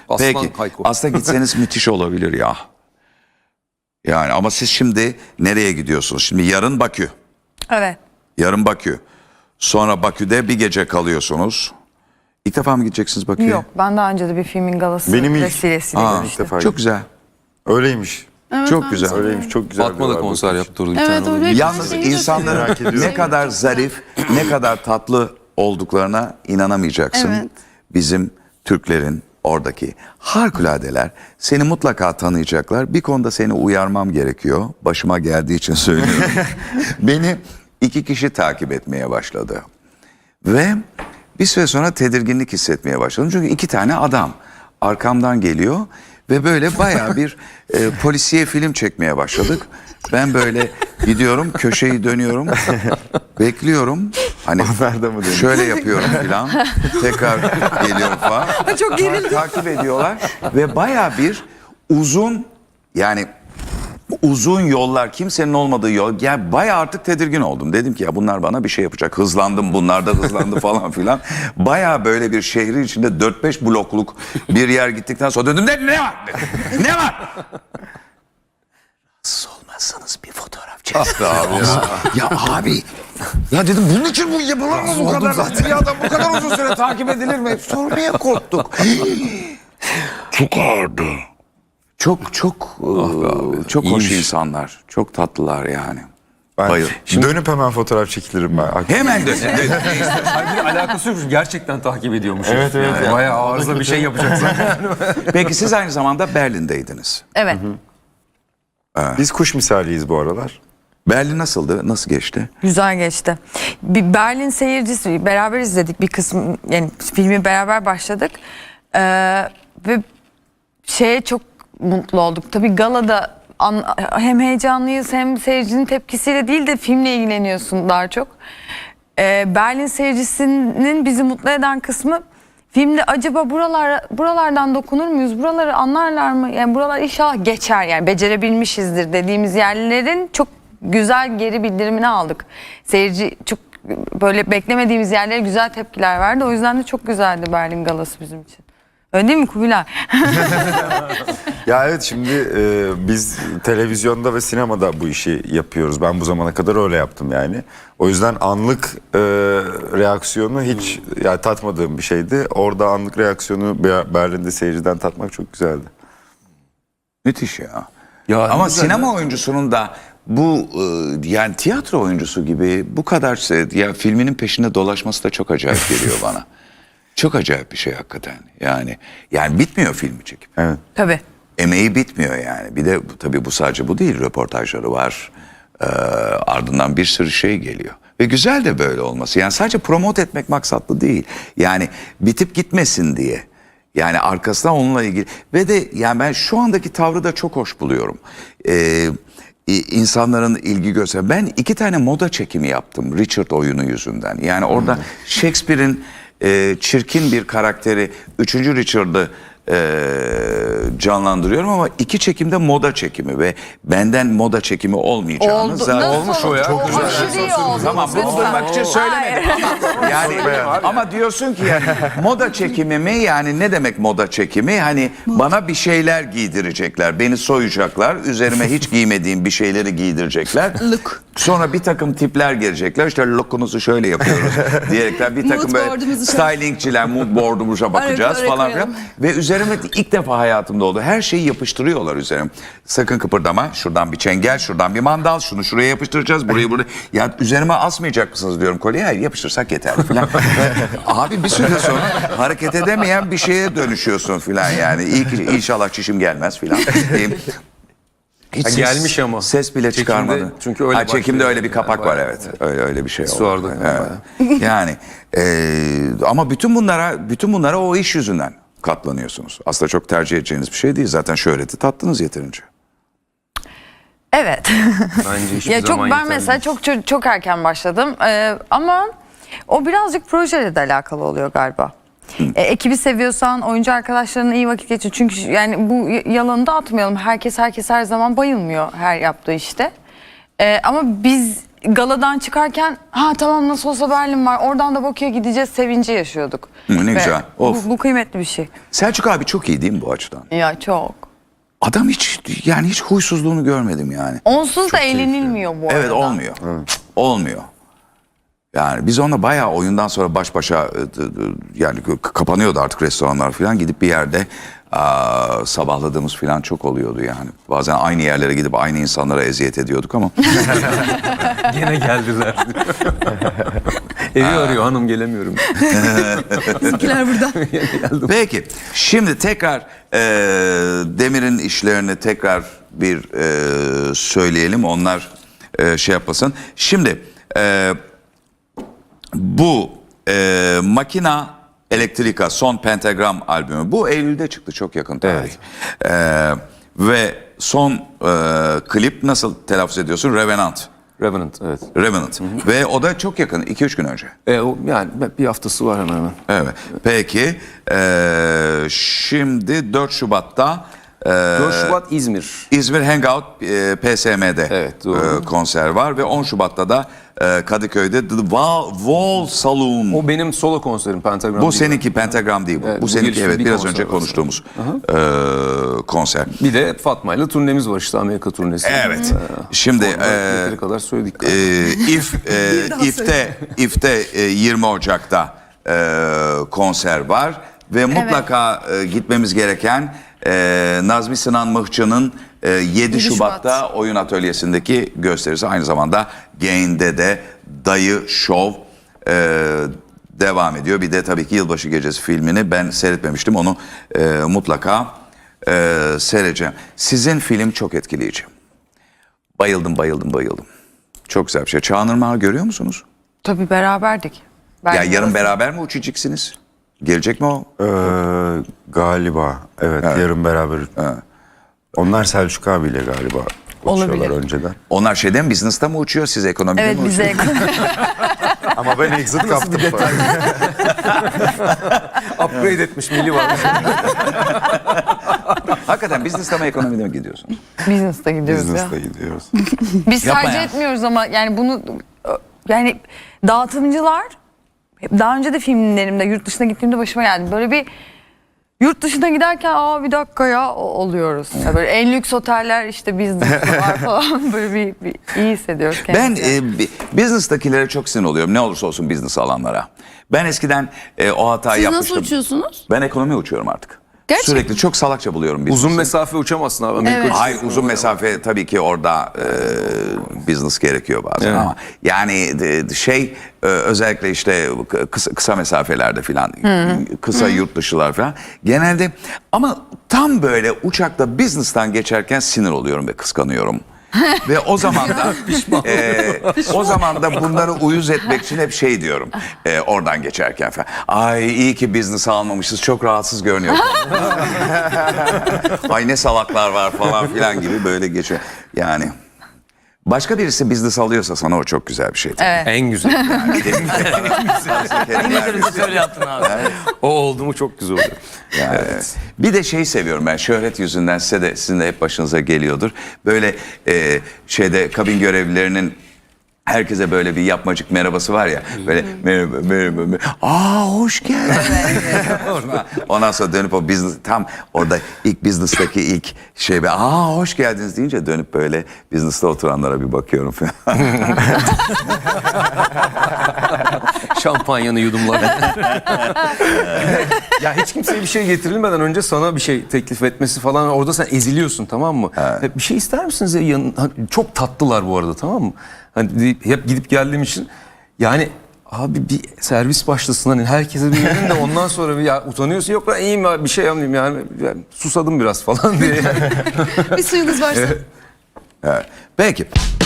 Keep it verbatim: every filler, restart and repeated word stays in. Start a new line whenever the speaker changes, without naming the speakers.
Aslan
Peki
Hayko.
aslında gitseniz müthiş olabilir ya. Yani ama siz şimdi nereye gidiyorsunuz? Şimdi yarın Bakü.
Evet.
Yarın Bakü. Sonra Bakü'de bir gece kalıyorsunuz. İlk defa mı gideceksiniz Bakü'ye?
Yok, ben daha önce de bir filmin galası
Benim ilk.
vesilesiyle
Aa,
görüştüm.
ilk defa
Çok güzel.
Öyleymiş.
Evet,
Çok
ben
güzel.
de-
Öyleymiş. Çok güzel.
Fatma da
diyorlar
konser
bu.
yaptırdı bir
Evet,
tane.
öyle.
orada.
Yalnız
şeyi de
insanların
merak ediyorum.
ne kadar zarif, ne kadar tatlı olduklarına inanamayacaksın.
Evet.
Bizim Türklerin oradaki harikuladeler seni mutlaka tanıyacaklar. Bir konuda seni uyarmam gerekiyor. Başıma geldiği için söylüyorum. Beni iki kişi takip etmeye başladı. Ve bir süre sonra tedirginlik hissetmeye başladım. Çünkü iki tane adam arkamdan geliyor ve böyle bayağı bir e, polisiye film çekmeye başladık. Ben böyle gidiyorum, köşeyi dönüyorum, bekliyorum. Hani
Onlar da mı dönüyor?
şöyle yapıyorum filan. Tekrar geliyorum falan.
Çok gerildim.
Takip ediyorlar ve bayağı bir uzun, yani uzun yollar, kimsenin olmadığı yol. Yani bayağı artık tedirgin oldum. Dedim ki ya bunlar bana bir şey yapacak. Hızlandım, bunlar da hızlandı falan filan. Bayağı böyle bir şehrin içinde dört beş blokluk bir yer gittikten sonra döndüm. Ne, ne var? dedim. Ne var? Rahatsız olmazsanız bir fotoğraf çeksin. abi ya. Ya abi. Ya dedim bunun için bu yapılır mı bu kadar? Zaten. Ya adam bu kadar uzun süre takip edilir mi? Sormaya korktuk. Çok ağırdı. Çok çok ıı, çok hoş
iyiymiş.
insanlar. Çok tatlılar yani.
Ben
Bayıl.
şimdi dönüp hemen fotoğraf çekilirim ben.
Hemen dön.
Halbuki alakası yok. Gerçekten takip ediyormuş.
Evet, evet.
Yani bayağı arıza bir şey yapacaksın.
Peki siz aynı zamanda Berlin'deydiniz.
Evet.
Biz kuş misaliyiz bu aralar.
Berlin nasıldı? Nasıl geçti?
Güzel geçti. Bir Berlin seyircisi beraber izledik bir kısmı, yani filmi beraber başladık. Ee, ve şeye çok mutlu olduk. Tabii galada an, hem heyecanlıyız hem seyircinin tepkisiyle değil de filmle ilgileniyorsun daha çok. Ee, Berlin seyircisinin bizi mutlu eden kısmı filmde acaba buralar buralardan dokunur muyuz? Buraları anlarlar mı? Yani buralar inşallah geçer, yani becerebilmişizdir dediğimiz yerlerin çok güzel geri bildirimini aldık. Seyirci çok böyle beklemediğimiz yerlere güzel tepkiler verdi. O yüzden de çok güzeldi Berlin galası bizim için. Öyle değil mi Kubilay?
Ya evet, şimdi e, biz televizyonda ve sinemada bu işi yapıyoruz. Ben bu zamana kadar öyle yaptım yani. O yüzden anlık e, reaksiyonu hiç yani tatmadığım bir şeydi. Orada anlık reaksiyonu Be- Berlin'de seyirciden tatmak çok güzeldi.
Müthiş ya.
Ya
Ama
güzel
sinema oyuncusunun da bu ıı, yani tiyatro oyuncusu gibi bu kadar se- ya filminin peşinde dolaşması da çok acayip geliyor bana. Çok acayip bir şey hakikaten. Yani yani bitmiyor filmi çekim.
Evet.
Tabii.
Emeği bitmiyor yani. Bir de bu- tabii bu sadece bu değil. Röportajları var. Ee, ardından bir sürü şey geliyor. Ve güzel de böyle olması. Yani sadece promote etmek maksatlı değil. Yani bitip gitmesin diye. Yani arkasından onunla ilgili. Ve de yani ben şu andaki tavrı da çok hoş buluyorum. Ee, insanların ilgi göster. Ben iki tane moda çekimi yaptım Richard oyunu yüzünden. Yani orada Shakespeare'in e, çirkin bir karakteri üçüncü Richard'ı e, canlandırıyorum ama iki çekimde moda çekimi ve benden moda çekimi olmayacağını
Oldu.
zaten
Nasıl
olmuş o ya.
oldu?
Çok güzel.
Aşırı iyi oldu.
Tamam bunu
Lütfen.
duymak için söylemedim ama yani ama diyorsun ki yani moda çekimi mi, yani ne demek moda çekimi? Hani bana bir şeyler giydirecekler, beni soyacaklar, üzerime hiç giymediğim bir şeyleri giydirecekler.
Look.
Sonra bir takım tipler gelecekler, işte lookunuzu şöyle yapıyoruz diyerekler bir takım
Mood
böyle
board'umuzu şöyle-
stylingçiler mood board'umuza bakacağız
Oraya
falan
koyalım.
filan. Ve üzerime ilk defa hayatımda oldu. Her şeyi yapıştırıyorlar üzerime. Sakın kıpırdama. Şuradan bir çengel, şuradan bir mandal. Şunu şuraya yapıştıracağız. Burayı buraya. Ya üzerime asmayacak mısınız diyorum kolyeyi. Hayır, yapıştırsak yeter filan. Abi bir süre sonra hareket edemeyen bir şeye dönüşüyorsun filan yani. İyi ki inşallah çişim gelmez filan. Hiç
Ha,
ses-
gelmiş ama.
Ses bile
Çekimde-
çıkarmadı.
çünkü öyle
ha, çekimde
başlıyor.
öyle bir kapak
Yani
var,
bayağı-
evet. Öyle öyle bir şey
Su
oldu.
vardı.
Evet. Yani e, ama bütün bunlara bütün bunlara o iş yüzünden katlanıyorsunuz. Aslında çok tercih edeceğiniz bir şey değil. Zaten şöhreti tattınız yeterince.
Evet.
Bence hiçbir
Ya çok
zaman
ben
yeterli
mesela
değil.
çok çok, çok erken başladım. Ee, ama o birazcık projeyle de alakalı oluyor galiba. E, ekibi seviyorsan, oyuncu arkadaşlarına iyi vakit geçir. Çünkü yani bu y- yalanı da atmayalım. Herkes herkes her zaman bayılmıyor her yaptığı işte. E, ama biz galadan çıkarken ha tamam nasıl olsa Berlin var oradan da Bakü'ye gideceğiz sevinci yaşıyorduk.
Hı, ne
Ve
güzel. Of.
Bu, bu kıymetli bir şey.
Selçuk abi çok iyi değil mi bu açıdan?
Ya çok.
Adam hiç yani hiç huysuzluğunu görmedim yani.
Onsuz da eğlenilmiyor bu arada.
Evet olmuyor. Olmuyor. Yani biz onunla bayağı oyundan sonra baş başa e, d- d- yani k- kapanıyordu artık restoranlar falan, gidip bir yerde aa, sabahladığımız falan çok oluyordu yani. Bazen aynı yerlere gidip aynı insanlara eziyet ediyorduk ama
Gene geldiler. Evi arıyor, hanım gelemiyorum.
Bizimkiler burada.
peki şimdi tekrar e, Demir'in işlerini tekrar bir e, söyleyelim, onlar e, şey yapmasın. Şimdi e, bu e, Makina Elektrika son Pentagram albümü bu Eylül'de çıktı, çok yakın tarih. E, ve son e, klip nasıl telaffuz ediyorsun? Revenant.
Revenant, evet.
Revenant. Ve o da çok yakın, iki üç gün önce.
E, o, yani bir haftası var hemen hemen.
Evet. Peki e, şimdi dört Şubat'ta e,
dört Şubat İzmir.
İzmir Hangout e, P S M'de
Evet, doğru.
e, konser var ve on Şubat'ta da e, Kadıköy'de The Wall, Wall Saloon.
O benim solo konserim, Pentagram
Bu
değil.
seninki, Pentagram değil bu.
Evet,
bu
bu
seninki,
girişte
evet,
bir
biraz
konser
önce
var.
konuştuğumuz e, konser.
Bir de Fatma ile turnemiz var işte, Amerika turnesi.
Evet. Şimdi e,
Yeteri kadar söyledik.
e, if e, ifte ifte e, yirmi Ocak'ta e, konser var ve mutlaka e, gitmemiz gereken e, Nazmi Sinan Mıhçı'nın e, yedi Şubat'ta oyun atölyesindeki gösterisi, aynı zamanda Gain'de de Dayı Şov e, devam ediyor. Bir de tabii ki Yılbaşı Gecesi filmini ben seyretmemiştim, onu e, mutlaka e, seyredeceğim. Sizin film çok etkileyici. Bayıldım, bayıldım, bayıldım. Çok güzel bir şey. Çağan Irmak'ı görüyor musunuz?
Tabii beraberdik. Ben
Ya yarın beraber mi uçacaksınız? Gelecek mi o?
Ee, galiba evet, yarın beraber. Onlar Selçuk abiyle galiba uçuyorlar
Olabilir.
önceden.
Onlar şeyden, business'ta mı uçuyor, siz ekonomide
Evet
mi
bize
uçuyorsunuz?
Ama ben exit kaptım.
Upgrade etmiş Milli var.
Hakikaten business'ta mı ekonomide mi gidiyorsunuz?
business'ta gidiyoruz ya.
Business'ta gidiyoruz.
Biz
Yapma
tercih
ya.
etmiyoruz ama yani bunu yani dağıtımcılar daha önce de filmlerimde yurt dışına gittiğimde başıma geldi. Böyle bir yurt dışına giderken aa bir dakika ya o- oluyoruz. Ya böyle en lüks oteller işte business var falan, böyle bir, bir iyi hissediyoruz
Ben
kendimizi.
e, bi- business'takilere çok sinir oluyorum, ne olursa olsun business alanlara. Ben eskiden e, o hatayı
Siz
yapmıştım.
nasıl uçuyorsunuz?
Ben ekonomi uçuyorum artık.
Gerçekten?
Sürekli çok salakça buluyorum business'ı.
Uzun mesafe uçamazsın abi. Amerika
Evet.
uçuşu.
Hayır, uzun mesafe tabii ki orada e, business gerekiyor bazen,
Evet.
ama yani de- de şey e, özellikle işte kısa, kısa mesafelerde filan, kısa yurt dışılar falan genelde, ama tam böyle uçakta business'tan geçerken sinir oluyorum ve kıskanıyorum. Ve o zaman da e, o zaman da bunları uyuz etmek için hep şey diyorum e, oradan geçerken falan. Ay iyi ki business almamışız, çok rahatsız görünüyor. Ay ne salaklar var falan filan gibi böyle geçiyor. Yani başka birisi business alıyorsa sana o çok güzel bir şey.
Evet.
En güzel.
Yani,
Şöyle yaptın abi.
O oldu mu çok güzel oluyor.
yani, bir de şeyi seviyorum ben, şöhret yüzünden, size de, sizin de hep başınıza geliyordur. Böyle e, şeyde kabin görevlilerinin herkese böyle bir yapmacık merhabası var ya. Böyle merhaba, merhaba, merhaba. Aa hoş geldin. Ondan sonra dönüp o business, tam orada ilk business'taki ilk şey, be, aa hoş geldiniz deyince dönüp böyle business'ta oturanlara bir bakıyorum falan.
Şampanyanı yudumlar. Ya hiç kimseye bir şey getirilmeden önce sana bir şey teklif etmesi falan, orada sen eziliyorsun, tamam mı? Hep bir şey ister misiniz? Ya? Yan- hani çok tatlılar bu arada, tamam mı? Hani deyip- hep gidip geldiğim için yani abi bir servis başlasın, hani herkese bir verin de ondan sonra bir, ya utanıyorsun, yok ben iyiyim abi, bir şey yapmayayım yani, yani susadım biraz falan diye.
Bir suyunuz varsa.
Evet. Peki.